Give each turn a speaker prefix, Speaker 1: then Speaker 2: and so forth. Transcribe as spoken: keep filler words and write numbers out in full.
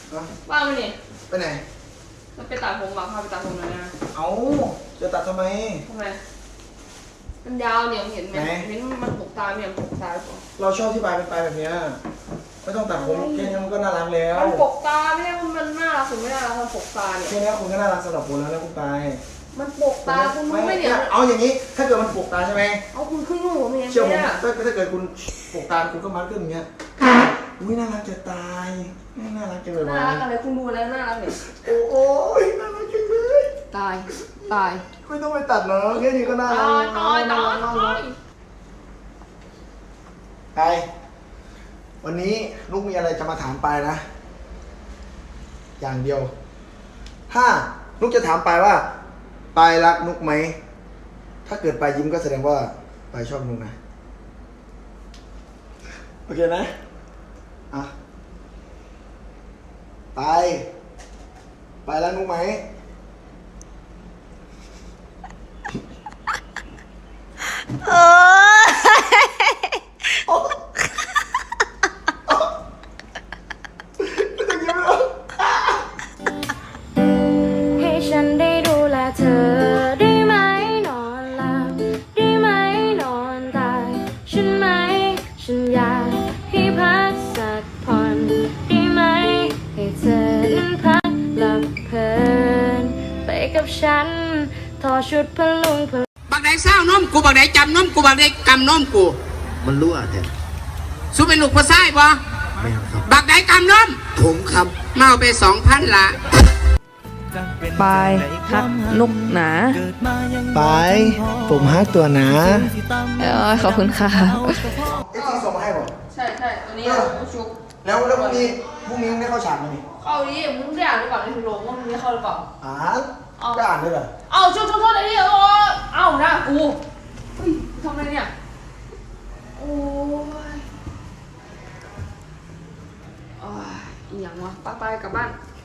Speaker 1: ว่างไหมเนี่ย
Speaker 2: ไปไหน
Speaker 1: มันไปตัดผมมาพาไปตัดผมหน่อยนะ
Speaker 2: เอาจะตัดทำไม
Speaker 1: ทำไมมันยาวเนี่ยเห็นไหมเห็นมันปกตาเนี่ยปกตาปะ
Speaker 2: เราชอบที่ปลายเป็นปลายแบบนี้ไม่ต้องตัดผมแค่นี้มันก็น่ารักแล้ว
Speaker 1: มันปกตาไม่ได้มันน่ารักหรือไม่น่ารักมันปกตาเนี่ย
Speaker 2: แค่นี้คุณก็น่ารักสำหรับคุณแล้วนะคุณปลาย
Speaker 1: มันปกตาคุณรู้ไหมเนี่ย
Speaker 2: เอาอย่างนี้ถ้าเกิดมันปกตาใช่ไหม
Speaker 1: เอาคุณขึ้นรูผมเอง
Speaker 2: เชื่อผมถ้าถ้าเกิดคุณปกตาคุณก็มัดขึ้นอย่างเงี้ยอุ้ยน่ารักจะตายน่ารักจังเลย
Speaker 1: น่ารักอะไรคุณดูแล้วน่ารักเนี่ย
Speaker 2: โอ้ยน่ารักจังเลย
Speaker 1: ตายตาย
Speaker 2: ไม่ต้องไปตัดเนาะแค่นี้ก็น่ารัก
Speaker 1: ตายตายตายตาย
Speaker 2: ไปวันนี้ลูกมีอะไรจะมาถามไปนะอย่างเดียวถ้าลูกจะถามไปว่าปายรักนุกไหมถ้าเกิดปายยิ้มก็แสดงว่าปายชอบนุกนะโอเคนะอ่ะปายปายรักนุกไหม
Speaker 3: เออให้ฉันได้ดูแลเธอได้ไหมนอนหลับได้ไหมนอนตายฉันไหมฉันอยากให้พักสักผ่อนได้ไหมให้เธอนั้นพักหลับเพลินไปกับฉันทอชุดพลุงพล
Speaker 4: บักไหนเศร้านมกูบักไหนจำนมกูบักไหนกำนมกู
Speaker 5: มันรั่วแท้
Speaker 4: สู้เป็นลูกพ่อไส้ปะ
Speaker 5: ไม่ครับ
Speaker 4: บักไหนกำนม
Speaker 5: ผมครับ
Speaker 4: เมาไปสองพันละ
Speaker 6: ปายฮักนุกหนา
Speaker 2: ไปผมฮักตัวหนา
Speaker 6: เออขอบคุณค่ะ
Speaker 2: เอ็กซ์ส่งมาให้ผม
Speaker 1: ใช่ใช่ตัวนี้ชุก
Speaker 2: แล้วแล้วพรุ่งนี้พรุ่งนี้ได้เข้าฉากไหมนี่
Speaker 1: เข้าดิมึงได้อ่านหรือเปล่าในถุงลมว่ามึงได้เข้าหรือเปล่า
Speaker 2: อ่านได้อ่านด้วยเหรอ
Speaker 1: เอาชุกชุกชุกไอ้นี่เออเอาหน้ากูเฮ้ยทำอะไรเนี่ยโอ้ยอ๋ออีหยังวะป้าไปกลับบ้าน